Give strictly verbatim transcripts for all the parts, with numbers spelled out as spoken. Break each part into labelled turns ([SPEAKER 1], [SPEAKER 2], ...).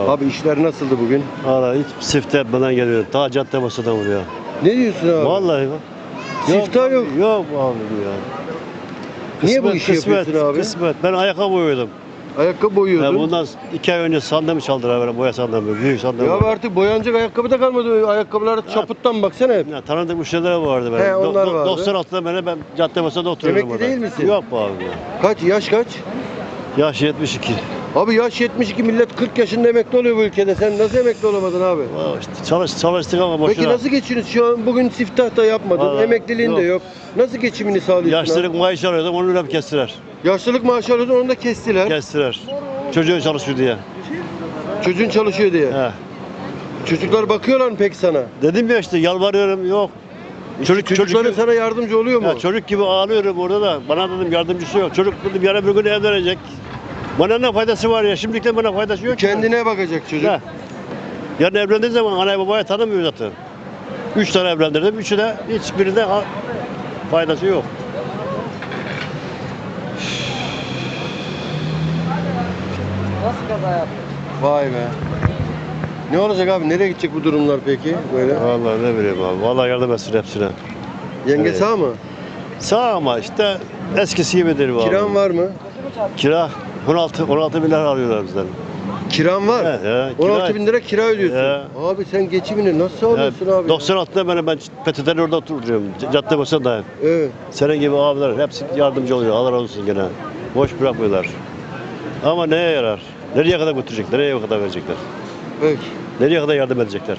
[SPEAKER 1] ol.
[SPEAKER 2] Abi işler nasıldı bugün?
[SPEAKER 1] Valla hiç siftah yapmadan geliyorum. Ta cadde basıdan vuruyor.
[SPEAKER 2] Ne diyorsun abi?
[SPEAKER 1] Vallahi bak.
[SPEAKER 2] Siftah yok.
[SPEAKER 1] Yok abi ya.
[SPEAKER 2] Niye bu
[SPEAKER 1] Kısmet,
[SPEAKER 2] işi
[SPEAKER 1] kısmet,
[SPEAKER 2] yapıyorsun abi?
[SPEAKER 1] Kısmet. Ben ayakkabı boyuyordum.
[SPEAKER 2] Ayakkabı boyuyordun.
[SPEAKER 1] Ya bundan iki ay önce sandalımı çaldılar böyle boya sandalımı. Büyük sandalımı.
[SPEAKER 2] Ya abi artık boyanacak ayakkabı da kalmadı. Ayakkabılar çaputtan baksana hep.
[SPEAKER 1] Ya, tanıdık müşteriler vardı benim.
[SPEAKER 2] He, onlar
[SPEAKER 1] Do- do-
[SPEAKER 2] vardı.
[SPEAKER 1] doksan altıda beni ben cadde basıda oturuyorum.
[SPEAKER 2] Emekli
[SPEAKER 1] orada.
[SPEAKER 2] değil misin?
[SPEAKER 1] Yok bu abi ya.
[SPEAKER 2] Kaç? Yaş kaç?
[SPEAKER 1] Yaş yetmiş iki.
[SPEAKER 2] Abi yaş yetmiş iki, millet kırk yaşında emekli oluyor bu ülkede. Sen nasıl emekli olamadın abi?
[SPEAKER 1] Vay işte çalış, çalıştık ama boşuna.
[SPEAKER 2] Peki nasıl geçiniyorsun? Şu an bugün siftah da yapmadın.
[SPEAKER 1] Vallahi
[SPEAKER 2] Emekliliğin de yok.
[SPEAKER 1] yok.
[SPEAKER 2] Nasıl geçimini sağlıyorsun
[SPEAKER 1] Yaşlılık
[SPEAKER 2] abi?
[SPEAKER 1] maaşı alıyordum onu öyle kestiler.
[SPEAKER 2] Yaşlılık maaşı alıyordun, onu da kestiler.
[SPEAKER 1] Kestiler. Çocuğu çalışıyor diye.
[SPEAKER 2] Çocuğun çalışıyor diye.
[SPEAKER 1] He.
[SPEAKER 2] Çocuklar bakıyorlar mı peki sana?
[SPEAKER 1] Dedim ya işte yalvarıyorum yok. Çocuk
[SPEAKER 2] Çocukların
[SPEAKER 1] çocuk
[SPEAKER 2] sana yardımcı oluyor mu?
[SPEAKER 1] ya çocuk gibi ağlıyorum orada da. Bana dedim yardımcısı yok. Çocuk dedim yarın bir gün evlenecek. Bana ne faydası var ya? Şimdilikten bana faydası yok. ki.
[SPEAKER 2] Kendine bakacak çocuk.
[SPEAKER 1] He. Yarın evlendiği zaman anayı babaya tanımıyor zaten. Üç tane evlendirdim. Üçü de hiçbirinde ha- faydası yok.
[SPEAKER 2] Vay be. Ne olacak abi? Nereye gidecek bu durumlar peki? Böyle.
[SPEAKER 1] Vallahi ne bileyim abi. Vallahi yardım etsin hepsine.
[SPEAKER 2] Yenge
[SPEAKER 1] Evet.
[SPEAKER 2] sağ mı?
[SPEAKER 1] Sağ ama işte eskisi gibidir bu abi.
[SPEAKER 2] Kiran var mı?
[SPEAKER 1] Kira on altı on altı milyar alıyorlar bizden.
[SPEAKER 2] Kiran var.
[SPEAKER 1] He, he,
[SPEAKER 2] on altı
[SPEAKER 1] kira-
[SPEAKER 2] bin lira kira ödüyorsun.
[SPEAKER 1] He.
[SPEAKER 2] Abi sen geçimini nasıl sağlıyorsun
[SPEAKER 1] Ya,
[SPEAKER 2] abi? ya?
[SPEAKER 1] doksan altıda beni ben P T T'nin orada oturuyorum. C- Cadde basındayım.
[SPEAKER 2] Evet.
[SPEAKER 1] Senin gibi abiler hepsi yardımcı oluyor. Allah razı olsun gene. Boş bırakmıyorlar. Ama neye yarar? Nereye kadar götürecekler? Nereye kadar verecekler?
[SPEAKER 2] Peki.
[SPEAKER 1] Nereye kadar yardım edecekler?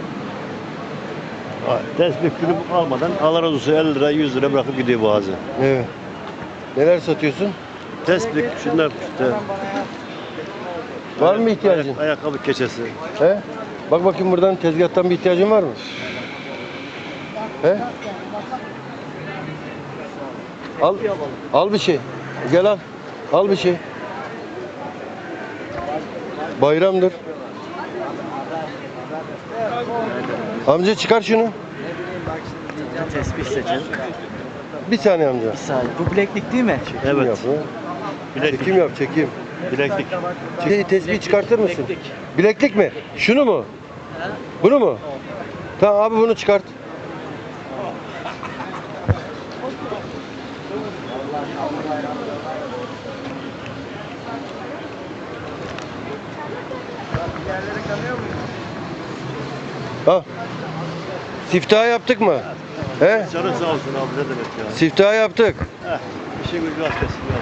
[SPEAKER 1] Ha, Tesbih günü almadan Allah razı olsun elli lira yüz lira bırakıp gidiyor boğazı.
[SPEAKER 2] Evet. Neler satıyorsun?
[SPEAKER 1] Tesbih şunlar işte.
[SPEAKER 2] Var mı ihtiyacın?
[SPEAKER 1] Ayak- ayakkabı keçesi.
[SPEAKER 2] He? Bak bakayım buradan tezgahtan bir ihtiyacın var mı? He? Al, al bir şey. Gel al. Al bir şey. Bayramdır. Amca çıkar şunu.
[SPEAKER 3] Tespih seçin.
[SPEAKER 2] Bir saniye amca.
[SPEAKER 3] Bir saniye. Bu bileklik değil mi?
[SPEAKER 2] Çekim
[SPEAKER 1] Evet.
[SPEAKER 2] yap. hı?
[SPEAKER 1] Bileklik.
[SPEAKER 2] Çekim yap, çekim.
[SPEAKER 1] Bileklik.
[SPEAKER 2] Şey, tespih çıkartır mısın?
[SPEAKER 3] Bileklik.
[SPEAKER 2] Bileklik mi? Şunu mu? Bunu mu? Tamam abi bunu çıkart. Ha. Siftah yaptık mı? He?
[SPEAKER 1] Canın sağ olsun abi ne demek ya.
[SPEAKER 2] Siftah yaptık.
[SPEAKER 1] Heh, işin gücü az kesin ya.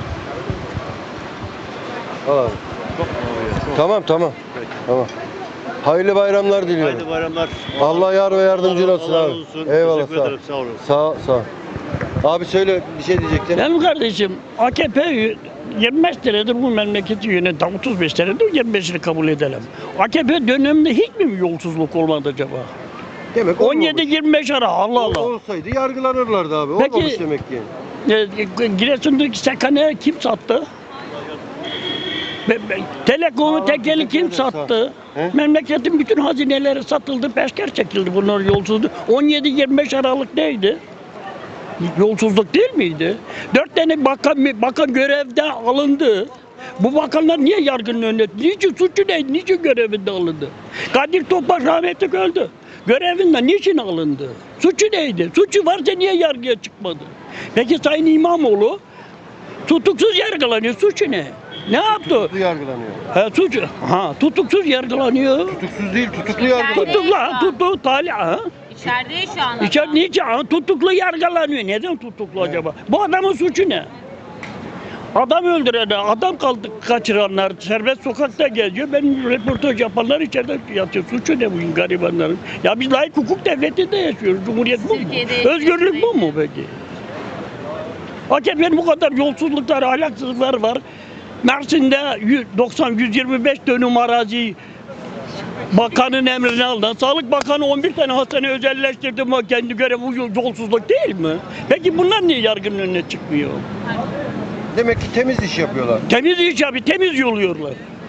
[SPEAKER 2] Al abi.
[SPEAKER 1] Çok ağır. Çok.
[SPEAKER 2] Tamam tamam.
[SPEAKER 1] Peki.
[SPEAKER 2] Tamam. Hayırlı bayramlar diliyorum.
[SPEAKER 1] Haydi bayramlar.
[SPEAKER 2] Allah yar ve yardımcın
[SPEAKER 1] Allah-
[SPEAKER 2] olsun
[SPEAKER 1] Allah
[SPEAKER 2] abi.
[SPEAKER 1] razı olsun.
[SPEAKER 2] Eyvallah
[SPEAKER 1] Teşekkür
[SPEAKER 2] sağ ol.
[SPEAKER 1] ederim sağ olun.
[SPEAKER 2] Sağ ol, sağ ol. Abi söyle bir şey diyecektin.
[SPEAKER 4] Benim kardeşim A K P yirmi beş senedir bu memleketi yöneten, otuz beş senedir yirmi beşini kabul edelim. A K P döneminde hiç mi yolsuzluk olmadı acaba?
[SPEAKER 2] Demek
[SPEAKER 4] on yedi
[SPEAKER 2] olmamış.
[SPEAKER 4] yirmi beş ara Allah Allah.
[SPEAKER 2] Olsaydı yargılanırlardı abi.
[SPEAKER 4] Peki-
[SPEAKER 2] Olmamış demek ki.
[SPEAKER 4] E, Giresun'daki Sekane'ye kim sattı? Be- be- Telekom'u
[SPEAKER 2] Aa,
[SPEAKER 4] tekeli kim
[SPEAKER 2] teşekkür ederim,
[SPEAKER 4] sattı?
[SPEAKER 2] sağ ol. He?
[SPEAKER 4] Memleketin bütün hazineleri satıldı, peşker çekildi bunlar yolsuzluk. on yedi yirmi beş Aralık neydi? Yolsuzluk değil miydi? Dört tane bakan, bakan görevde alındı. Bu bakanlar niye yargının önüne? Niçin suçu neydi? Niçin görevinde alındı? Kadir Topbaş rahmetli öldü. Görevinden niçin alındı? Suçu neydi? Suçu varsa niye yargıya çıkmadı? Peki Sayın İmamoğlu tutuksuz yargılanıyor. Suçu ne? Ne yaptı?
[SPEAKER 2] Tutuklu yargılanıyor.
[SPEAKER 4] Ha, suç, ha, tutuksuz yargılanıyor.
[SPEAKER 2] Tutuksuz değil, tutuklu yargılanıyor.
[SPEAKER 4] Tutuklu, ha, tutuklu, talih, ha.
[SPEAKER 5] İçeride şu an.
[SPEAKER 4] İçer niçin? Ha, tutuklu yargılanıyor. Neden tutuklu acaba? Bu adamın suçu ne? Adam öldürenler, adam kaldı kaçıranlar serbest sokakta geziyor. Benim röportaj yapanlar içeride yatıyor. Suçu ne bu garibanların? Ya biz layık hukuk devletinde yaşıyoruz. Cumhuriyet bu mu?
[SPEAKER 5] Türkiye'de
[SPEAKER 4] Özgürlük bu mu peki? A K P'nin bu kadar yolsuzluklar, ahlaksızlıklar var. Mersin'de doksan yüz yirmi beş dönüm arazi bakanın emrine aldı. Sağlık Bakanı on bir tane hastane özelleştirdi ama kendi görevi bu yolsuzluk değil mi? Peki bunlar niye yargının önüne çıkmıyor?
[SPEAKER 2] Demek ki temiz iş yapıyorlar.
[SPEAKER 4] Temiz iş abi, temiz yoluyorlar.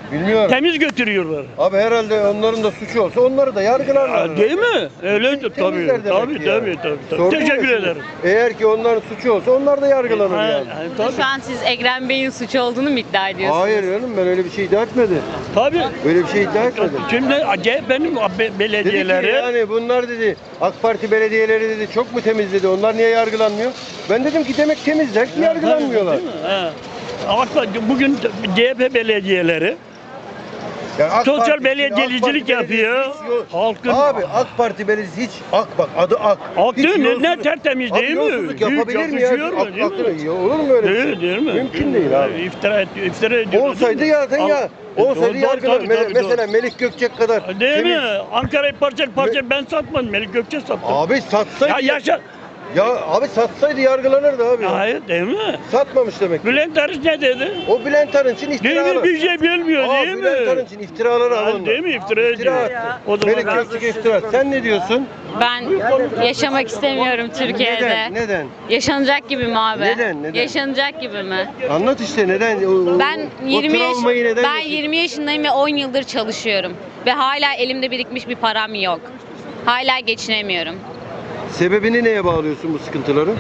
[SPEAKER 2] Bilmiyorum.
[SPEAKER 4] Temiz götürüyorlar.
[SPEAKER 2] Abi herhalde onların da suçu olsa onları da yargılarlar.
[SPEAKER 4] Ha, değil mi? Öyle tabii.
[SPEAKER 2] Temizler demek
[SPEAKER 4] Tabii
[SPEAKER 2] ki
[SPEAKER 4] tabii
[SPEAKER 2] yani.
[SPEAKER 4] tabii. tabii.
[SPEAKER 2] Sordum ya
[SPEAKER 4] Teşekkür
[SPEAKER 2] şimdi.
[SPEAKER 4] ederim.
[SPEAKER 2] Eğer ki onların suçu olsa onlar da yargılanır
[SPEAKER 4] Ha,
[SPEAKER 2] yani.
[SPEAKER 4] ha, tabii.
[SPEAKER 5] Şu an siz Ekrem Bey'in suçu olduğunu mu iddia ediyorsunuz?
[SPEAKER 2] Hayır canım, ben öyle bir şey iddia etmedim.
[SPEAKER 4] Tabii.
[SPEAKER 2] Öyle bir şey iddia etmedim.
[SPEAKER 4] Şimdi C H P'nin be-
[SPEAKER 2] Dedi ki
[SPEAKER 4] belediyeleri
[SPEAKER 2] yani bunlar dedi AK Parti belediyeleri dedi çok mu temiz dedi. Onlar niye yargılanmıyor? Ben dedim ki demek temizler ki yargılanmıyorlar.
[SPEAKER 4] Değil mi? He. Ama bugün C H P belediyeleri
[SPEAKER 2] Yani AK
[SPEAKER 4] sosyal
[SPEAKER 2] Parti-
[SPEAKER 4] belediyecilik
[SPEAKER 2] AK Parti
[SPEAKER 4] yapıyor.
[SPEAKER 2] belediyesi hiç yok.
[SPEAKER 4] Halkın
[SPEAKER 2] Abi AK Parti belediyesi hiç AK bak adı AK.
[SPEAKER 4] Ak
[SPEAKER 2] Hiç
[SPEAKER 4] değil mi? Ne
[SPEAKER 2] yolsuzluk-
[SPEAKER 4] tertemiz
[SPEAKER 2] Abi
[SPEAKER 4] değil mi?
[SPEAKER 2] yolsuzluk
[SPEAKER 4] Hiç
[SPEAKER 2] yapabilir mi ya?
[SPEAKER 4] yakışıyor mu,
[SPEAKER 2] AK-
[SPEAKER 4] değil mi?
[SPEAKER 2] aklına- ya olur mu öyle bir şey?
[SPEAKER 4] Değil, değil mi?
[SPEAKER 2] Mümkün değil abi.
[SPEAKER 4] İftira, et, iftira ediyor.
[SPEAKER 2] Olsaydı zaten ya. Olsaydı yargılar. Me- Mesela Melik Gökçek kadar.
[SPEAKER 4] Değil
[SPEAKER 2] temiz-
[SPEAKER 4] mi? Ankara'yı parça parça ben satmadım. Melik Gökçe sattı.
[SPEAKER 2] Abi satsaydı.
[SPEAKER 4] Ya yaşa.
[SPEAKER 2] Ya abi satsaydı yargılanırdı abi.
[SPEAKER 4] Hayır değil mi?
[SPEAKER 2] Satmamış demek.
[SPEAKER 4] Bülent Arınç ne dedi?
[SPEAKER 2] O Bülent Arınç'ın
[SPEAKER 4] Değil
[SPEAKER 2] iftiraları.
[SPEAKER 4] mi? Bir şey bilmiyor
[SPEAKER 2] Aa,
[SPEAKER 4] değil mi?
[SPEAKER 2] Bülent Arınç'ın iftiraları
[SPEAKER 4] Ha,
[SPEAKER 2] alındı.
[SPEAKER 4] değil mi? İftira
[SPEAKER 2] İftira
[SPEAKER 4] ediyor.
[SPEAKER 2] attı.
[SPEAKER 4] O zaman
[SPEAKER 2] Melik
[SPEAKER 4] ben-
[SPEAKER 2] Gökçek iftira. Sen ne diyorsun?
[SPEAKER 5] Ben yaşamak istemiyorum Türkiye'de.
[SPEAKER 2] Neden? Neden?
[SPEAKER 5] Yaşanacak gibi mi abi?
[SPEAKER 2] Neden, neden?
[SPEAKER 5] Yaşanacak gibi mi?
[SPEAKER 2] Anlat işte neden? O- o-
[SPEAKER 5] Ben
[SPEAKER 2] o
[SPEAKER 5] yirmi yaş
[SPEAKER 2] travmayı neden
[SPEAKER 5] ben
[SPEAKER 2] yaşıyorsun?
[SPEAKER 5] yirmi yaşındayım ve on yıldır çalışıyorum ve hala elimde birikmiş bir param yok. Hala geçinemiyorum.
[SPEAKER 2] Sebebini neye bağlıyorsun bu sıkıntıları?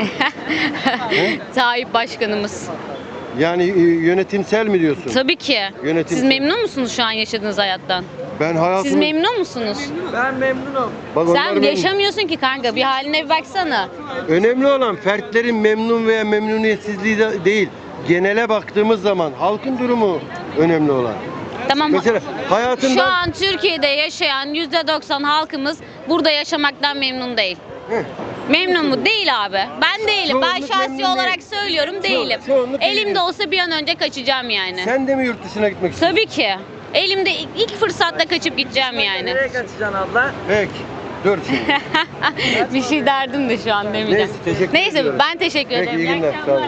[SPEAKER 5] Tayyip Başkanımız.
[SPEAKER 2] Yani e, yönetimsel mi diyorsun?
[SPEAKER 5] Tabii ki.
[SPEAKER 2] Yönetim-
[SPEAKER 5] Siz memnun musunuz şu an yaşadığınız hayattan?
[SPEAKER 2] Ben hayatımı...
[SPEAKER 5] Siz memnun musunuz?
[SPEAKER 3] Ben memnunum.
[SPEAKER 2] Bak onlar
[SPEAKER 5] Sen
[SPEAKER 2] memnun.
[SPEAKER 5] yaşamıyorsun ki kanka. Bir haline bir baksana.
[SPEAKER 2] Önemli olan fertlerin memnun veya memnuniyetsizliği de değil. Genele baktığımız zaman halkın durumu önemli olan.
[SPEAKER 5] Tamam.
[SPEAKER 2] Mesela hayatında...
[SPEAKER 5] Şu an Türkiye'de yaşayan yüzde doksan halkımız burada yaşamaktan memnun değil.
[SPEAKER 2] Heh.
[SPEAKER 5] Memnun mu? Değil abi. Ben değilim. Ben
[SPEAKER 2] Çoğunluk
[SPEAKER 5] şahsi
[SPEAKER 2] memnun
[SPEAKER 5] olarak
[SPEAKER 2] değil.
[SPEAKER 5] söylüyorum değilim.
[SPEAKER 2] çoğunluk
[SPEAKER 5] Elimde
[SPEAKER 2] değil.
[SPEAKER 5] olsa bir an önce kaçacağım yani.
[SPEAKER 2] Sen de mi yurt dışına gitmek istiyorsun?
[SPEAKER 5] Tabii ki. Elimde ilk ilk fırsatta kaçıp gideceğim yani.
[SPEAKER 3] Nereye kaçacaksın abla?
[SPEAKER 2] Peki. Dur şimdi.
[SPEAKER 5] Bir şey derdim de şu an demeyeceğim.
[SPEAKER 2] Neyse, teşekkür
[SPEAKER 5] Neyse
[SPEAKER 2] ediyorum.
[SPEAKER 5] ben teşekkür
[SPEAKER 2] Peki
[SPEAKER 5] ederim.
[SPEAKER 2] iyi
[SPEAKER 5] İyi
[SPEAKER 2] günler. Sağ
[SPEAKER 5] akşamlar.
[SPEAKER 2] olun.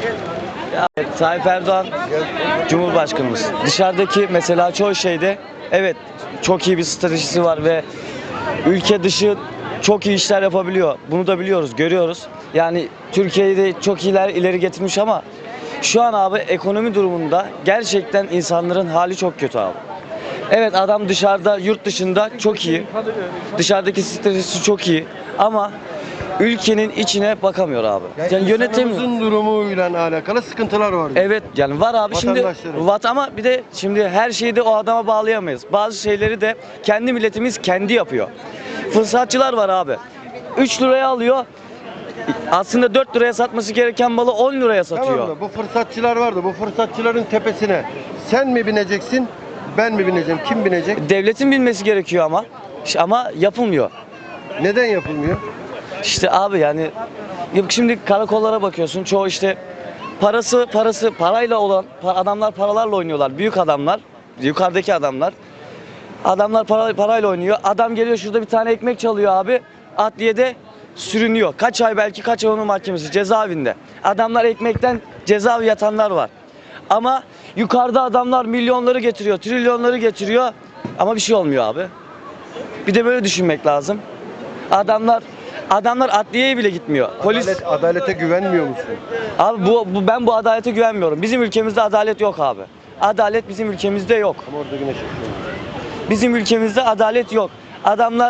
[SPEAKER 6] Evet, Tayyip Erdoğan Cumhurbaşkanımız. Dışarıdaki mesela çoğu şeyde evet çok iyi bir stratejisi var ve ülke dışı çok iyi işler yapabiliyor. Bunu da biliyoruz, görüyoruz. Yani Türkiye'yi de çok ileri, ileri getirmiş ama şu an abi ekonomi durumunda gerçekten insanların hali çok kötü abi. Evet adam dışarıda, yurt dışında çok iyi. Dışarıdaki stratejisi çok iyi ama ülkenin içine bakamıyor abi. Yani yönetemiyor.
[SPEAKER 2] insanımızın durumuyla alakalı sıkıntılar var.
[SPEAKER 6] Evet yani var abi şimdi
[SPEAKER 2] Vatandaşların.
[SPEAKER 6] vat ama bir de şimdi her şeyi de o adama bağlayamayız. Bazı şeyleri de kendi milletimiz kendi yapıyor. Fırsatçılar var abi. üç liraya alıyor. Aslında dört liraya satması gereken malı on liraya satıyor.
[SPEAKER 2] Tamam da bu fırsatçılar vardı. Bu fırsatçıların tepesine sen mi bineceksin, ben mi bineceğim? Kim binecek?
[SPEAKER 6] Devletin bilmesi gerekiyor ama ama yapılmıyor.
[SPEAKER 2] Neden yapılmıyor?
[SPEAKER 6] İşte abi yani yok şimdi karakollara bakıyorsun çoğu işte parası parası parayla olan pa- adamlar paralarla oynuyorlar. Büyük adamlar, yukarıdaki adamlar. Adamlar para, parayla oynuyor. Adam geliyor şurada bir tane ekmek çalıyor abi. Adliyede sürünüyor. Kaç ay belki kaç ay onun mahkemesi cezaevinde. Adamlar ekmekten cezaevi yatanlar var. Ama yukarıda adamlar milyonları getiriyor, trilyonları getiriyor ama bir şey olmuyor abi. Bir de böyle düşünmek lazım. Adamlar adamlar adliyeye bile gitmiyor. Polis
[SPEAKER 2] Adalet, adalete güvenmiyor musun?
[SPEAKER 6] abi bu, bu ben bu adalete güvenmiyorum. Bizim ülkemizde adalet yok abi. Adalet bizim ülkemizde yok.
[SPEAKER 2] Ama orada güneş çıkıyor.
[SPEAKER 6] Bizim ülkemizde adalet yok. Adamlar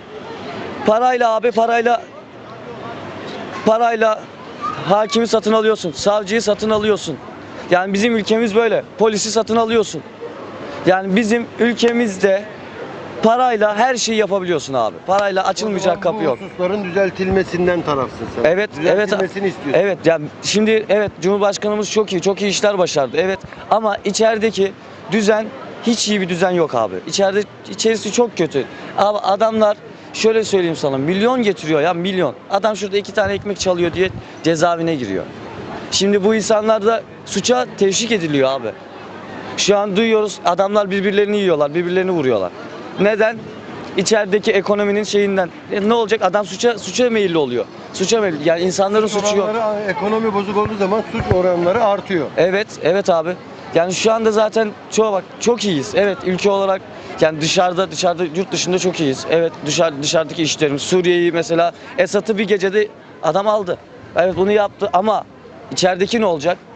[SPEAKER 6] parayla abi parayla parayla hakimi satın alıyorsun, savcıyı satın alıyorsun. Yani bizim ülkemiz böyle. Polisi satın alıyorsun. Yani bizim ülkemizde parayla her şeyi yapabiliyorsun abi. Parayla açılmayacak kapı yok.
[SPEAKER 2] Bu hususların düzeltilmesinden tarafsın sen.
[SPEAKER 6] Evet, evet.
[SPEAKER 2] Düzeltilmesini istiyorsun.
[SPEAKER 6] Evet, yani şimdi evet Cumhurbaşkanımız çok iyi, çok iyi işler başardı. Evet ama içerideki düzen hiç iyi bir düzen yok abi. İçeride içerisi çok kötü. Abi adamlar şöyle söyleyeyim sana milyon getiriyor ya milyon. Adam şurada iki tane ekmek çalıyor diye cezaevine giriyor. Şimdi bu insanlar da suça teşvik ediliyor abi. Şu an duyuyoruz adamlar birbirlerini yiyorlar, birbirlerini vuruyorlar. Neden? İçerideki ekonominin şeyinden. E ne olacak? Adam suça suça meyilli oluyor. Suça meyilli. Yani insanların suçu yok.
[SPEAKER 2] Oranları, ekonomi bozuk olduğu zaman suç oranları artıyor.
[SPEAKER 6] Evet, evet abi. Yani şu anda zaten çoğu bak çok iyiyiz. Evet ülke olarak yani dışarıda dışarıda yurt dışında çok iyiyiz. Evet dışarı dışarıdaki işlerimiz Suriye'yi mesela Esad'ı bir gecede adam aldı. Evet bunu yaptı ama içerideki ne olacak?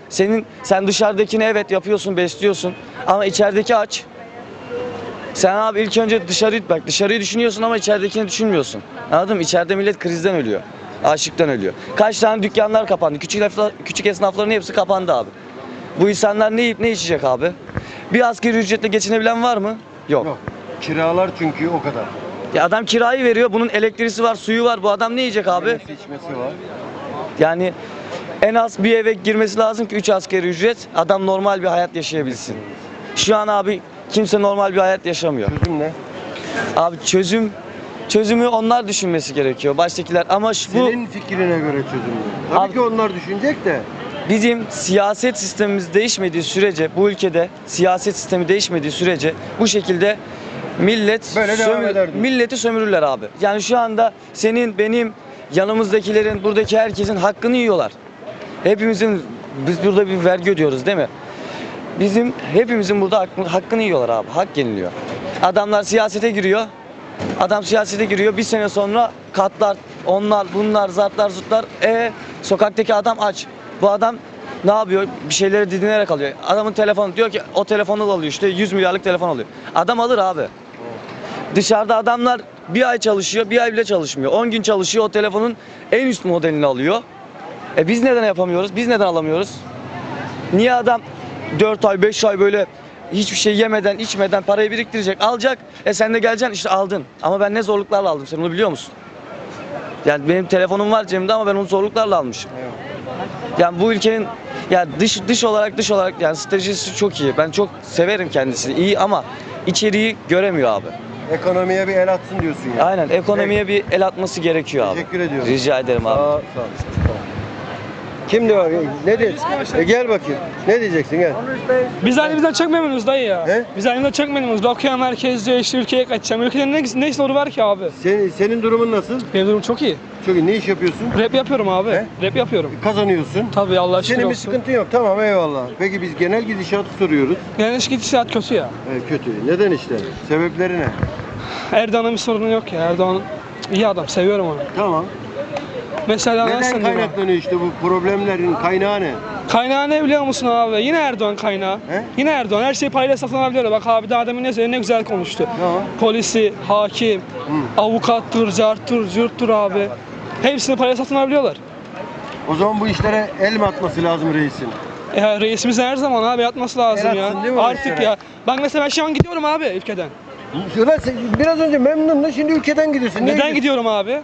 [SPEAKER 6] Senin sen dışarıdakini evet yapıyorsun, besliyorsun ama içerideki aç. Sen abi ilk önce dışarıyı bak dışarıyı düşünüyorsun ama içeridekini düşünmüyorsun. Anladın mı? İçeride millet krizden ölüyor. Açlıktan ölüyor. Kaç tane dükkanlar kapandı. Küçük esnaf, küçük esnafların hepsi kapandı abi. Bu insanlar ne yiyip ne içecek abi? Bir asgari ücretle geçinebilen var mı? Yok.
[SPEAKER 2] Yok. Kiralar çünkü o kadar.
[SPEAKER 6] Ya adam kirayı veriyor. Bunun elektriği var, suyu var. Bu adam ne yiyecek abi?
[SPEAKER 2] Yemesi, içmesi var.
[SPEAKER 6] Yani en az bir eve girmesi lazım ki üç asgari ücret adam normal bir hayat yaşayabilsin. Şu an abi kimse normal bir hayat yaşamıyor.
[SPEAKER 2] Çözüm ne?
[SPEAKER 6] Abi çözüm çözümü onlar düşünmesi gerekiyor. Baştakiler ama şu, bu
[SPEAKER 2] Senin fikrine göre çözüm ne? Tabii
[SPEAKER 6] Abi-
[SPEAKER 2] ki onlar düşünecek de.
[SPEAKER 6] bizim siyaset sistemimiz değişmediği sürece bu ülkede siyaset sistemi değişmediği sürece bu şekilde millet
[SPEAKER 2] Böyle devam eder diyorsun.
[SPEAKER 6] milleti sömürürler abi. Yani şu anda senin benim yanımızdakilerin buradaki herkesin hakkını yiyorlar. Hepimizin biz burada bir vergi ödüyoruz değil mi? Bizim hepimizin burada hakkını, hakkını yiyorlar abi. Hak yeniliyor. Adamlar siyasete giriyor. Adam siyasete giriyor. Bir sene sonra katlar, onlar, bunlar, zartlar, zurtlar. E sokaktaki adam aç. Bu adam ne yapıyor? Bir şeyleri didinerek alıyor. Adamın telefonu diyor ki o telefonu alıyor işte yüz milyarlık telefon alıyor. Adam alır abi. Dışarıda adamlar bir ay çalışıyor, bir ay bile çalışmıyor. on gün çalışıyor, o telefonun en üst modelini alıyor. E biz neden yapamıyoruz? Biz neden alamıyoruz? Niye adam dört ay, beş ay böyle hiçbir şey yemeden, içmeden parayı biriktirecek, alacak. E sen de geleceksin işte aldın. Ama ben ne zorluklarla aldım sen onu biliyor musun? Yani benim telefonum var cebimde ama ben onu zorluklarla almışım. Yani bu ülkenin yani dış dış olarak dış olarak yani stratejisi çok iyi. Ben çok severim kendisini. İyi ama içeriği göremiyor abi.
[SPEAKER 2] Ekonomiye bir el atsın diyorsun ya.
[SPEAKER 6] Aynen ekonomiye bir el atması gerekiyor abi.
[SPEAKER 2] Teşekkür ediyorum.
[SPEAKER 6] Rica ederim abi.
[SPEAKER 2] Sağ ol. Sağ ol. Kim diyor? Ne diyor? E gel bakayım. Ne diyeceksin gel.
[SPEAKER 7] Biz halimizden çok memnunuz dayı ya.
[SPEAKER 2] He?
[SPEAKER 7] Biz halimizden çok memnunuz. Okuyan herkes diyor işte ülkeye kaçacağım. Ülkede ne, ne soru var ki abi?
[SPEAKER 2] Senin, senin durumun nasıl?
[SPEAKER 7] Benim durum çok iyi.
[SPEAKER 2] Çok iyi. Ne iş yapıyorsun?
[SPEAKER 7] Rap yapıyorum abi.
[SPEAKER 2] He?
[SPEAKER 7] Rap yapıyorum.
[SPEAKER 2] Kazanıyorsun.
[SPEAKER 7] Tabii Allah şükür
[SPEAKER 2] Senin bir
[SPEAKER 7] olsun.
[SPEAKER 2] sıkıntın yok. Tamam eyvallah. Peki biz genel gidişatı soruyoruz.
[SPEAKER 7] Yani iş gidişat kötü ya.
[SPEAKER 2] Evet, kötü. Neden işte? Sebepleri ne?
[SPEAKER 7] Erdoğan'ın bir sorunu yok ya. Erdoğan iyi adam. Seviyorum onu.
[SPEAKER 2] Tamam.
[SPEAKER 7] Mesela
[SPEAKER 2] Neden
[SPEAKER 7] nasıl diyeyim abi?
[SPEAKER 2] kaynaklanıyor işte bu problemlerin kaynağı ne?
[SPEAKER 7] Kaynağı ne biliyor musun abi? Yine Erdoğan kaynağı.
[SPEAKER 2] He?
[SPEAKER 7] Yine Erdoğan. Her şey parayla satın alabiliyor. Bak abi daha demin ne söyledi? Ne güzel konuştu.
[SPEAKER 2] Tamam.
[SPEAKER 7] Polisi, hakim,
[SPEAKER 2] Hı.
[SPEAKER 7] avukattır, carttır, cürttür abi. Hepsini parayla satın alabiliyorlar.
[SPEAKER 2] O zaman bu işlere el mi atması lazım reisin?
[SPEAKER 7] Ya reisimiz her zaman abi yatması lazım
[SPEAKER 2] El
[SPEAKER 7] ya.
[SPEAKER 2] atsın değil mi
[SPEAKER 7] Artık
[SPEAKER 2] reislere?
[SPEAKER 7] ya. Bak mesela ben şu an gidiyorum abi ülkeden.
[SPEAKER 2] Ulan sen biraz önce memnundun, şimdi ülkeden gidiyorsun. Niye
[SPEAKER 7] Neden
[SPEAKER 2] gidiyorsun?
[SPEAKER 7] gidiyorum abi?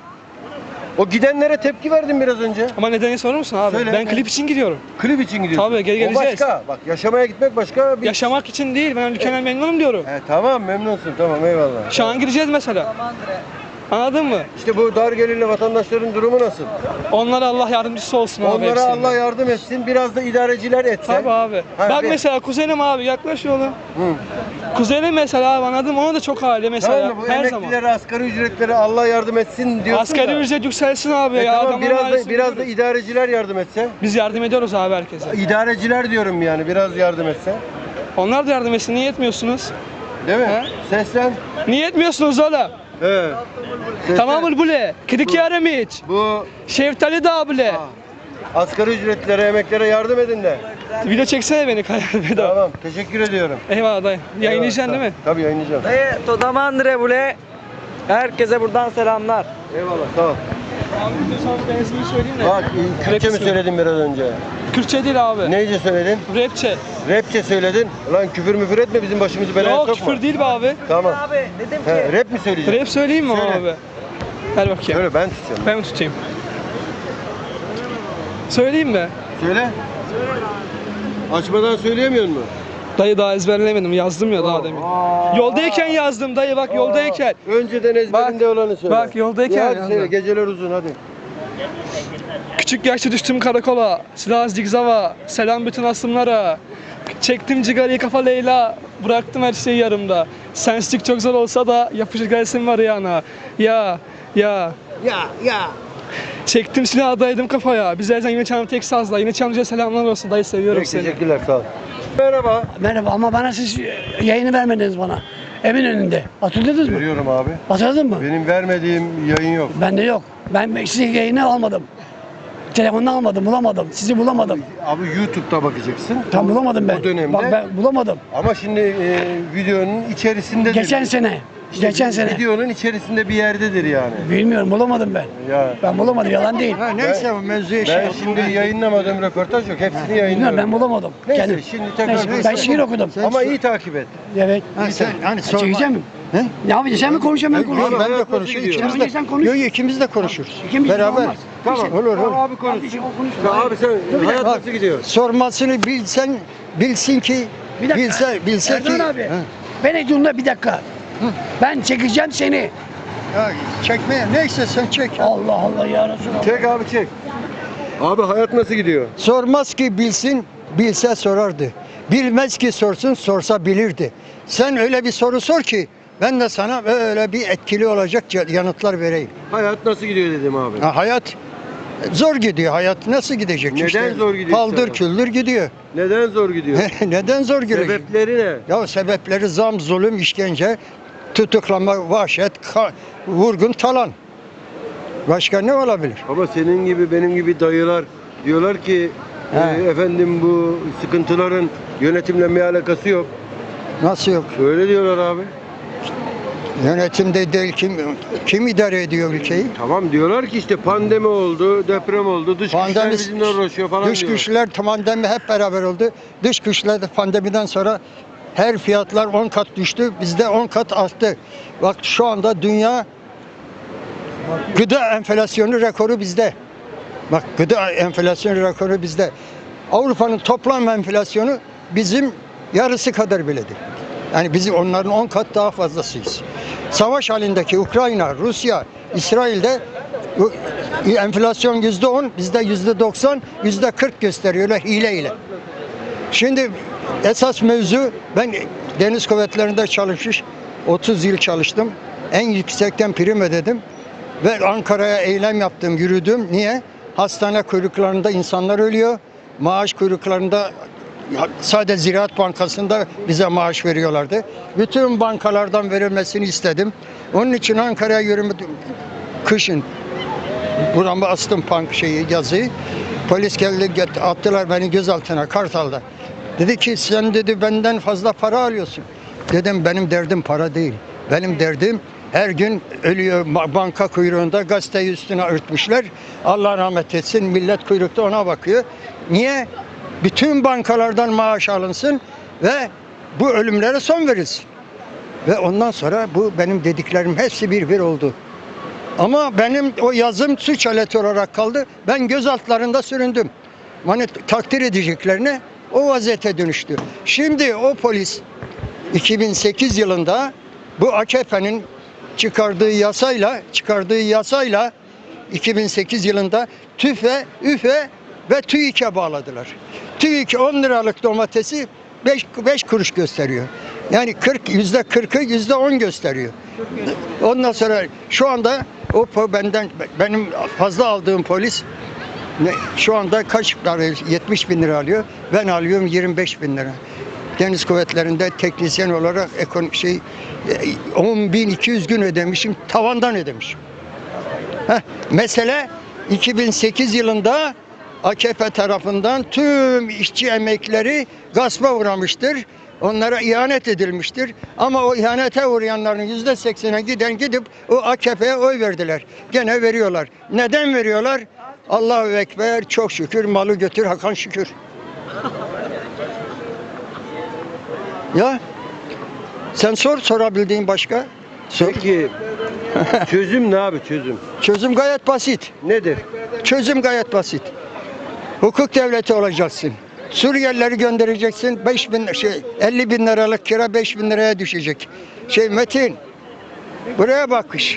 [SPEAKER 2] O gidenlere tepki verdin biraz önce.
[SPEAKER 7] Ama nedeni sorur musun abi?
[SPEAKER 2] Söyle.
[SPEAKER 7] Ben klip için gidiyorum.
[SPEAKER 2] Klip için gidiyorsun.
[SPEAKER 7] Tabii, gel-
[SPEAKER 2] O
[SPEAKER 7] geleceğiz.
[SPEAKER 2] başka. Bak yaşamaya gitmek başka bir...
[SPEAKER 7] Yaşamak için değil. Ben ülkeden memnunum diyorum.
[SPEAKER 2] He, tamam memnunsun tamam eyvallah.
[SPEAKER 7] Şu an gideceğiz mesela. Anladın mı?
[SPEAKER 2] İşte bu dar gelirli vatandaşların durumu nasıl?
[SPEAKER 7] Onlara Allah yardımcısı olsun abi.
[SPEAKER 2] Onlara
[SPEAKER 7] hepsinin.
[SPEAKER 2] Allah yardım etsin. Biraz da idareciler etse.
[SPEAKER 7] Tabii abi.
[SPEAKER 2] Ha,
[SPEAKER 7] Bak
[SPEAKER 2] bir-
[SPEAKER 7] mesela kuzenim abi yaklaş oğlum.
[SPEAKER 2] Hı.
[SPEAKER 7] Kuzenim mesela abi anladın mı? Ona da çok aile mesela
[SPEAKER 2] Tamam mı? Bu
[SPEAKER 7] her zaman.
[SPEAKER 2] emeklilere, asgari ücretlere Allah yardım etsin diyorsun
[SPEAKER 7] Asgari
[SPEAKER 2] da.
[SPEAKER 7] ücret yükselsin abi
[SPEAKER 2] E
[SPEAKER 7] ya.
[SPEAKER 2] tamam,
[SPEAKER 7] adamların
[SPEAKER 2] biraz da
[SPEAKER 7] ailesini
[SPEAKER 2] biraz da
[SPEAKER 7] görüyoruz.
[SPEAKER 2] idareciler yardım etse.
[SPEAKER 7] Biz yardım ediyoruz abi herkese.
[SPEAKER 2] İdareciler diyorum yani biraz yardım etse.
[SPEAKER 7] Onlar da yardım etsin. Niye etmiyorsunuz?
[SPEAKER 2] Değil mi?
[SPEAKER 7] He?
[SPEAKER 2] Seslen.
[SPEAKER 7] Niye etmiyorsunuz oğlum?
[SPEAKER 2] He. Seslen.
[SPEAKER 7] Tamam mı bule? Kidik yarım hiç.
[SPEAKER 2] Bu
[SPEAKER 7] Şeftali da bile.
[SPEAKER 2] ha, asgari ücretlere, emeklere yardım edin de.
[SPEAKER 7] Video çeksene beni kayar bedava.
[SPEAKER 2] Tamam. Teşekkür ediyorum.
[SPEAKER 7] Eyvallah dayı. Yayınlayacaksın değil mi?
[SPEAKER 2] Tabii yayınlayacağım.
[SPEAKER 3] Dayı Todamandre bule. Herkese buradan selamlar.
[SPEAKER 2] Eyvallah. Sağ ol.
[SPEAKER 7] Abi bir de sana ben ismini söyleyeyim de.
[SPEAKER 2] Bak Kürtçe mi
[SPEAKER 7] Rap
[SPEAKER 2] söyledin biraz önce?
[SPEAKER 7] Kürtçe değil abi.
[SPEAKER 2] Neyce söyledin?
[SPEAKER 7] Rapçe.
[SPEAKER 2] Rapçe söyledin. Lan küfür müfür etme bizim başımızı belaya
[SPEAKER 7] Yok
[SPEAKER 2] sokma.
[SPEAKER 7] küfür değil be abi.
[SPEAKER 2] Tamam.
[SPEAKER 3] Abi dedim ki
[SPEAKER 2] He, rap mi söyleyeceksin?
[SPEAKER 7] Rap söyleyeyim mi
[SPEAKER 2] Söyle.
[SPEAKER 7] abi? Ver bakayım.
[SPEAKER 2] Söyle ben tutacağım.
[SPEAKER 7] Ben mi tutayım? Söyleyeyim mi?
[SPEAKER 2] Söyle. Açmadan söyleyemiyor musun?
[SPEAKER 7] Dayı daha ezberlemedim. Yazdım ya daha demin.
[SPEAKER 2] Aa.
[SPEAKER 7] Yoldayken yazdım dayı bak yoldayken.
[SPEAKER 2] Önceden ezberinde olanı söyle.
[SPEAKER 7] bak, yoldayken
[SPEAKER 2] Ya hadi
[SPEAKER 7] yazdım.
[SPEAKER 2] söyle geceler uzun hadi.
[SPEAKER 7] Küçük yaşta düştüm karakola. Silah zigzava. Selam bütün asımlara. Çektim cigarayı kafa Leyla. Bıraktım her şeyi yarımda. Sensizlik çok zor olsa da yapışır gelsin var yana. Ya ya.
[SPEAKER 2] Ya ya.
[SPEAKER 7] Çektim silahı daydım kafaya. Biz her zaman yine çalan tek sazla. Yine çalınca selamlar olsun. Dayı seviyorum
[SPEAKER 2] Peki,
[SPEAKER 7] seni.
[SPEAKER 2] teşekkürler sağ ol. Merhaba.
[SPEAKER 8] Merhaba ama bana siz yayını vermediniz bana. Evin önünde. Hatırladınız mı?
[SPEAKER 2] Veriyorum abi.
[SPEAKER 8] Hatırladın mı?
[SPEAKER 2] Benim vermediğim yayın yok.
[SPEAKER 8] Bende yok. Ben sizin yayını almadım. telefonunu almadım, bulamadım. Sizi bulamadım.
[SPEAKER 2] Abi YouTube'da bakacaksın.
[SPEAKER 8] Tam bulamadım ben.
[SPEAKER 2] O dönemde.
[SPEAKER 8] Bak ben bulamadım.
[SPEAKER 2] Ama şimdi e, videonun içerisinde
[SPEAKER 8] Geçen sene. Geçen sene.
[SPEAKER 2] Videonun içerisinde bir yerdedir yani.
[SPEAKER 8] Bilmiyorum, bulamadım ben.
[SPEAKER 2] Ya
[SPEAKER 8] Ben bulamadım, yalan değil.
[SPEAKER 2] Ha, neyse bu mevzuya ben şimdi yayınlamadığım röportaj yok. Hepsini
[SPEAKER 8] Bilmiyorum,
[SPEAKER 2] yayınlıyorum.
[SPEAKER 8] ben bulamadım.
[SPEAKER 2] Neyse
[SPEAKER 8] Kendim.
[SPEAKER 2] şimdi tekrar
[SPEAKER 8] Neyse, ben şiir okudum.
[SPEAKER 2] Ama iyi takip et.
[SPEAKER 8] Evet.
[SPEAKER 2] Ha, sen hani sorma.
[SPEAKER 8] Çekeceğim mi?
[SPEAKER 2] He?
[SPEAKER 8] Ne yapacağız? Sen mi konuşacaksın, ben konuşayım.
[SPEAKER 2] Yok, ben de
[SPEAKER 8] Sen
[SPEAKER 2] konuşuyorum. İkimiz
[SPEAKER 8] önce
[SPEAKER 2] de,
[SPEAKER 8] sen konuş.
[SPEAKER 2] yok, ikimiz de konuşuruz.
[SPEAKER 8] İkimiz de
[SPEAKER 2] Beraber.
[SPEAKER 8] olmaz.
[SPEAKER 2] Tamam,
[SPEAKER 8] Bir şey-
[SPEAKER 2] olur olur. Abi konuş.
[SPEAKER 8] Abi, o konuş.
[SPEAKER 2] Abi sen hayat
[SPEAKER 9] Bak,
[SPEAKER 2] nasıl gidiyor?
[SPEAKER 9] Sormasını bilsen, bilsin ki,
[SPEAKER 8] Bir dakika.
[SPEAKER 9] bilse, bilse
[SPEAKER 8] Erdoğan
[SPEAKER 9] ki.
[SPEAKER 8] abi.
[SPEAKER 9] Ha.
[SPEAKER 8] Beni dinle bir dakika. Ben çekeceğim seni.
[SPEAKER 9] Ya, çekmeye, neyse sen çek.
[SPEAKER 8] Allah Allah ya Resulallah.
[SPEAKER 2] Çek abi çek. Abi hayat nasıl gidiyor?
[SPEAKER 9] Sormaz ki bilsin, bilse sorardı. Bilmez ki sorsun, sorsa bilirdi. Sen öyle bir soru sor ki, ben de sana öyle bir etkili olacak yanıtlar vereyim.
[SPEAKER 2] Hayat nasıl gidiyor dedim abi.
[SPEAKER 9] Ha, hayat zor gidiyor. Hayat nasıl gidecek?
[SPEAKER 2] Neden zor gidiyor
[SPEAKER 9] Paldır
[SPEAKER 2] sana?
[SPEAKER 9] küldür gidiyor.
[SPEAKER 2] Neden zor gidiyor?
[SPEAKER 9] Neden zor gidiyor?
[SPEAKER 2] Sebepleri ne?
[SPEAKER 9] Ya sebepleri zam, zulüm, işkence, tutuklama, vahşet, ka- vurgun, talan. Başka ne olabilir?
[SPEAKER 2] Ama senin gibi benim gibi dayılar diyorlar ki
[SPEAKER 9] He.
[SPEAKER 2] e, efendim bu sıkıntıların yönetimle bir alakası yok.
[SPEAKER 9] Nasıl yok?
[SPEAKER 2] Öyle diyorlar abi.
[SPEAKER 9] Yönetimde değil, kim kim idare ediyor ülkeyi?
[SPEAKER 2] Tamam diyorlar ki işte pandemi oldu, deprem oldu, dış güçler
[SPEAKER 9] Pandemi,
[SPEAKER 2] bizimle uğraşıyor falan
[SPEAKER 9] dış
[SPEAKER 2] diyorlar.
[SPEAKER 9] güçler, pandemi hep beraber oldu. Dış güçler de pandemiden sonra her fiyatlar on kat düştü, bizde on kat arttı. Bak şu anda dünya gıda enflasyonu rekoru bizde. Bak gıda enflasyonu rekoru bizde. Avrupa'nın toplam enflasyonu bizim yarısı kadar biledir. Yani biz onların on kat daha fazlasıyız. Savaş halindeki Ukrayna, Rusya, İsrail'de bu enflasyon yüzde on, bizde yüzde doksan, yüzde kırk gösteriyorlar hileyle. Şimdi esas mevzu, ben deniz kuvvetlerinde çalışmış, otuz yıl çalıştım. En yüksekten prim ödedim ve Ankara'ya eylem yaptım, yürüdüm. Niye? Hastane kuyruklarında insanlar ölüyor. Maaş kuyruklarında sadece Ziraat Bankası'nda bize maaş veriyorlardı. Bütün bankalardan verilmesini istedim. Onun için Ankara'ya yürüdüm. Kışın burama astım pank şeyi, yazıyı. Polis geldi, attılar beni gözaltına Kartal'da. Dedi ki sen dedi benden fazla para alıyorsun. Dedim benim derdim para değil. Benim derdim her gün ölüyor banka kuyruğunda, gazeteyi üstüne örtmüşler. Allah rahmet etsin, millet kuyrukta ona bakıyor. Niye? Bütün bankalardan maaş alınsın ve bu ölümlere son verilsin. Ve ondan sonra bu benim dediklerim hepsi bir bir oldu. Ama benim o yazım suç aleti olarak kaldı. Ben gözaltlarında süründüm. Bana takdir edeceklerine o vaziyete dönüştü. Şimdi o polis iki bin sekiz yılında bu A K P'nin çıkardığı yasayla çıkardığı yasayla iki bin sekiz yılında TÜFE, ÜFE ve TÜİK'e bağladılar. TÜİK on liralık domatesi beş kuruş gösteriyor. Yani kırk yüzde kırkı yüzde on gösteriyor. Ondan sonra şu anda o benden benim fazla aldığım polis ne, şu anda kaç para yetmiş bin lira alıyor. Ben alıyorum yirmi beş bin lira. Deniz kuvvetlerinde teknisyen olarak ekonomik şey on bin iki yüz gün ödemişim. Tavandan ödemişim. Heh, mesele iki bin sekiz yılında A K P tarafından tüm işçi emekleri gaspa uğramıştır. Onlara ihanet edilmiştir. Ama o ihanete uğrayanların yüzde seksene giden gidip o A K P'ye oy verdiler. Gene veriyorlar. Neden veriyorlar? Allahu Ekber, çok şükür, malı götür Hakan şükür. Ya sen sor, sorabildiğin başka. Sor.
[SPEAKER 2] Peki çözüm ne abi çözüm?
[SPEAKER 9] Çözüm gayet basit.
[SPEAKER 2] Nedir?
[SPEAKER 9] Çözüm gayet basit. Hukuk devleti olacaksın. Suriyelileri göndereceksin. beş bin şey elli bin liralık kira beş bin liraya düşecek. Şey Metin buraya bakış.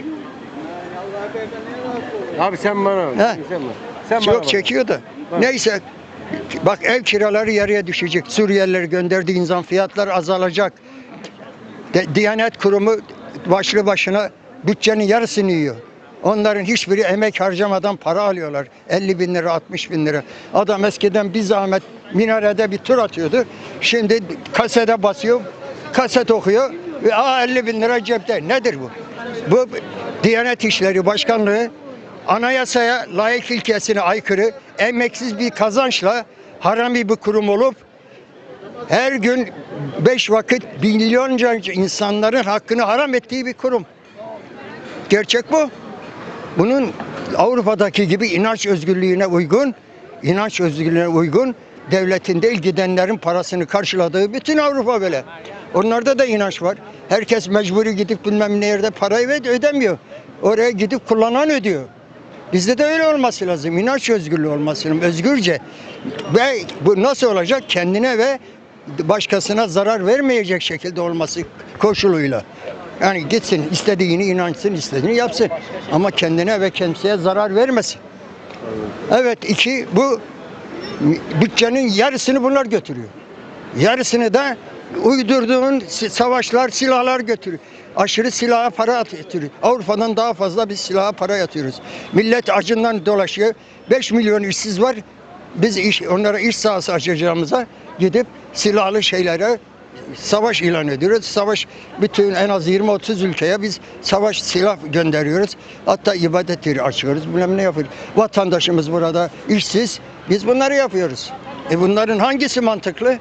[SPEAKER 2] Abi sen bana
[SPEAKER 9] He.
[SPEAKER 2] sen bana. Sen bana
[SPEAKER 9] Yok
[SPEAKER 2] bak.
[SPEAKER 9] çekiyor da.
[SPEAKER 2] Bak.
[SPEAKER 9] Neyse. Bak ev kiraları yarıya düşecek. Suriyelileri gönderdiğin zaman fiyatlar azalacak. De, Diyanet Kurumu başlı başına bütçenin yarısını yiyor. Onların hiçbiri emek harcamadan para alıyorlar. elli bin lira, altmış bin lira. Adam eskiden bir zahmet minarede bir tur atıyordu. Şimdi kasete basıyor, kaset okuyor ve aa elli bin lira cepte. Nedir bu? Bu Diyanet İşleri Başkanlığı anayasaya, layık ilkesine aykırı, emeksiz bir kazançla harami bir kurum olup her gün beş vakit milyonca insanların hakkını haram ettiği bir kurum. Gerçek bu. Bunun Avrupa'daki gibi inanç özgürlüğüne uygun, inanç özgürlüğüne uygun devletin değil gidenlerin parasını karşıladığı bütün Avrupa böyle. Onlarda da inanç var. Herkes mecburi gidip bilmem nerede parayı ödemiyor. Oraya gidip kullanan ödüyor. Bizde de öyle olması lazım. İnanç özgürlüğü olması lazım. Özgürce. Ve bu nasıl olacak? Kendine ve başkasına zarar vermeyecek şekilde olması koşuluyla. Yani gitsin, istediğini inansın, istediğini yapsın. Ama kendine ve kimseye zarar vermesin. Evet, iki, bu bütçenin yarısını bunlar götürüyor. Yarısını da uydurduğun savaşlar, silahlar götürüyor. Aşırı silaha para atıyor. Avrupa'dan daha fazla biz silaha para yatıyoruz. Millet acından dolaşıyor. beş milyon işsiz var. Biz iş, onlara iş sahası açacağımıza gidip silahlı şeylere savaş ilan ediyoruz. Savaş bütün en az yirmi otuz ülkeye biz savaş silah gönderiyoruz. Hatta ibadet yeri açıyoruz. Bilmem ne yapıyoruz. Vatandaşımız burada işsiz. Biz bunları yapıyoruz. E bunların hangisi mantıklı?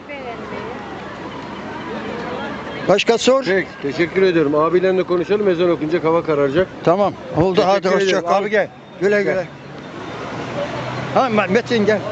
[SPEAKER 9] Başka sor.
[SPEAKER 2] Peki, teşekkür ediyorum. Abilerle konuşalım. Ezan okunacak, hava kararacak.
[SPEAKER 9] Tamam. Oldu. Hadi
[SPEAKER 2] Teşekkür
[SPEAKER 9] hoşça
[SPEAKER 2] ederim.
[SPEAKER 9] kal.
[SPEAKER 2] Abi gel.
[SPEAKER 9] Güle güle.
[SPEAKER 2] Gel.
[SPEAKER 9] Ha Metin gel.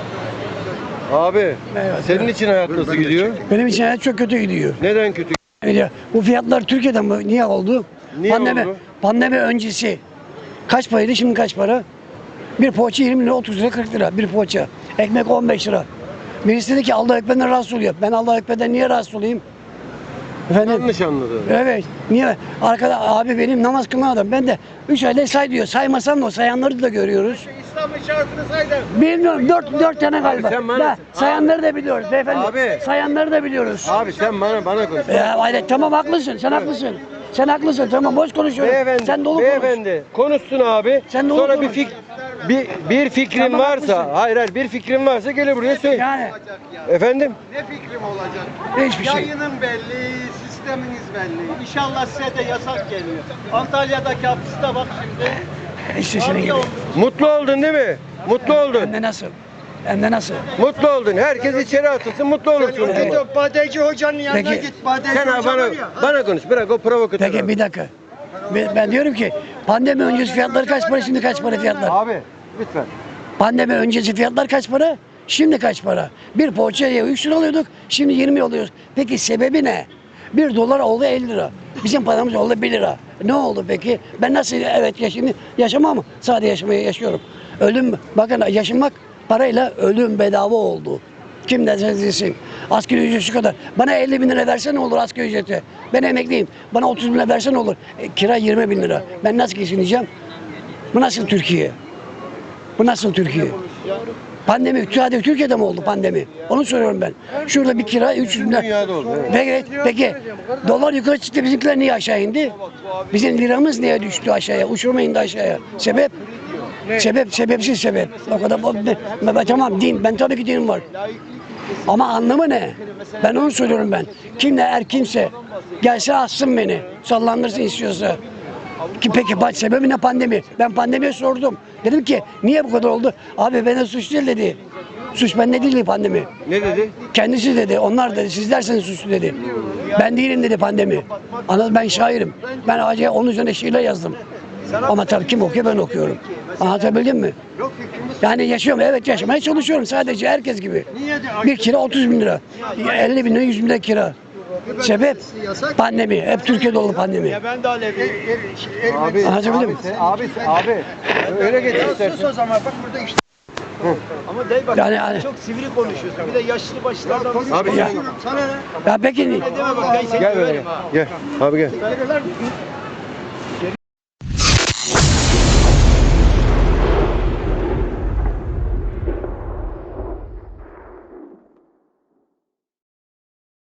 [SPEAKER 2] Abi, senin için hayat nasıl gidiyor?
[SPEAKER 8] Benim için hayat çok kötü gidiyor.
[SPEAKER 2] Neden kötü?
[SPEAKER 8] Yani bu fiyatlar Türkiye'de mi? Niye oldu?
[SPEAKER 2] Niye
[SPEAKER 8] pandemi,
[SPEAKER 2] oldu?
[SPEAKER 8] Pandemi öncesi kaç paraydı, şimdi kaç para? Bir poğaça yirmi lira, otuz lira, kırk lira bir poğaça. Ekmek on beş lira. Birisi dedi ki Allah Ekber'den rahatsız oluyor. Ben Allah Ekber'den niye rahatsız olayım? Efendim?
[SPEAKER 2] Yanlış anladın.
[SPEAKER 8] Evet. Niye? Arkada abi benim namaz kılma adam. Ben de üç ayda say diyor. Saymasam da o sayanları da görüyoruz.
[SPEAKER 2] İslam'ın şartını say da.
[SPEAKER 8] Bilmiyorum. Dört, dört tane galiba.
[SPEAKER 2] sen bana-
[SPEAKER 8] Da, sayanları da biliyoruz beyefendi.
[SPEAKER 2] Abi.
[SPEAKER 8] Sayanları da biliyoruz.
[SPEAKER 2] Abi sen bana bana konuş.
[SPEAKER 8] Ya hayır, tamam haklısın. Sen haklısın. Sen haklısın. Tamam boş konuşuyorum.
[SPEAKER 2] Beyefendi,
[SPEAKER 8] Sen dolu konuş.
[SPEAKER 2] beyefendi konuşsun abi.
[SPEAKER 8] Sen dolu
[SPEAKER 2] Sonra
[SPEAKER 8] konuş.
[SPEAKER 2] bir fik bir bir fikrin
[SPEAKER 8] Tamam,
[SPEAKER 2] varsa,
[SPEAKER 8] haklısın.
[SPEAKER 2] hayır hayır bir fikrin varsa gel buraya söyle.
[SPEAKER 8] Yani
[SPEAKER 2] Efendim?
[SPEAKER 10] Ne fikrim olacak?
[SPEAKER 8] hiçbir şey.
[SPEAKER 10] Yayının belli, sisteminiz belli. İnşallah size de yasak geliyor. Antalya'daki hapiste bak şimdi.
[SPEAKER 8] İşte senin gibi.
[SPEAKER 2] Mutlu oldun değil mi? Mutlu oldun.
[SPEAKER 8] Hem de nasıl? Hem de nasıl?
[SPEAKER 2] Mutlu oldun. Herkes içeri atılsın, mutlu olursun.
[SPEAKER 9] Git o badeci hocanın yanına
[SPEAKER 8] Peki.
[SPEAKER 9] git. Badeci
[SPEAKER 2] Sen abi
[SPEAKER 9] hoca
[SPEAKER 2] bana,
[SPEAKER 9] var ya.
[SPEAKER 2] bana konuş. Bırak o provokatör.
[SPEAKER 8] Peki
[SPEAKER 2] abi.
[SPEAKER 8] bir dakika. Ben, ben diyorum ki pandemi öncesi fiyatları kaç para, şimdi kaç para fiyatlar?
[SPEAKER 2] Abi lütfen.
[SPEAKER 8] Pandemi öncesi fiyatlar kaç para? Şimdi kaç para? Bir poğaçaya üç lira alıyorduk, şimdi yirmi alıyoruz. Peki sebebi ne? Bir dolar oldu elli lira. Bizim paramız oldu bir lira. Ne oldu peki? Ben nasıl evet yaşayayım? Yaşamam, sadece yaşamayı yaşıyorum. Ölüm, bakın yaşamak parayla ölüm bedava oldu. Kim derse desin. Asgari ücret şu kadar. Bana elli bin lira verse ne olur asgari ücreti? Ben emekliyim. Bana otuz bin lira verse ne olur? E, kira yirmi bin lira. Ben nasıl geçineceğim? Bu nasıl Türkiye? Bu nasıl Türkiye? Pandemi, sadece Türkiye'de mi oldu pandemi? Onu soruyorum ben. Şurada bir kira üç yüz bin lira.
[SPEAKER 2] Dünyada oldu, evet.
[SPEAKER 8] Peki, peki dolar yukarı çıktı, bizimkiler niye aşağı indi? Bizim liramız niye düştü aşağıya? Uçurma indi aşağıya. Sebep? Sebep, sebepsiz sebep. O kadar, ben, ben, tamam din, ben tabii ki dinim var. Ama anlamı ne? Ben onu söylüyorum ben. Kim ne er kimse gelse assın beni. Sallandırsın istiyorsa. Ki peki baş sebebi ne pandemi? Ben pandemiye sordum. Dedim ki niye bu kadar oldu? Abi bana suç değil dedi. Suç bende değil pandemi.
[SPEAKER 2] Ne dedi?
[SPEAKER 8] Kendisi dedi. Onlar dedi. Siz derseniz suçlu dedi. Ben değilim dedi pandemi. Anladın, ben şairim. Ben acaba onun üzerine şiirler yazdım. Ama tabii kim okuyor, ben okuyorum. Anlatabildim mi? Yani yaşıyorum, evet yaşamaya çalışıyorum sadece herkes gibi. Bir kira otuz bin lira. elli bin lira, yüz bin lira kira. Sebep pandemi. Hep Türkiye'de oldu pandemi.
[SPEAKER 10] Ben de Alevi.
[SPEAKER 2] Abi,
[SPEAKER 8] Anlatabildim mi?
[SPEAKER 2] abi, abi. Öyle geç istersen.
[SPEAKER 9] Sus o zaman bak burada işte.
[SPEAKER 10] Ama dey bak
[SPEAKER 8] Yani, yani
[SPEAKER 10] çok sivri konuşuyorsun. Bir de yaşlı başlardan
[SPEAKER 2] Abi
[SPEAKER 8] ya,
[SPEAKER 2] gel.
[SPEAKER 9] Sana ne?
[SPEAKER 8] ya peki
[SPEAKER 10] deme bak ben seni
[SPEAKER 2] Gel böyle.
[SPEAKER 10] döverim ha.
[SPEAKER 2] Gel. Abi gel.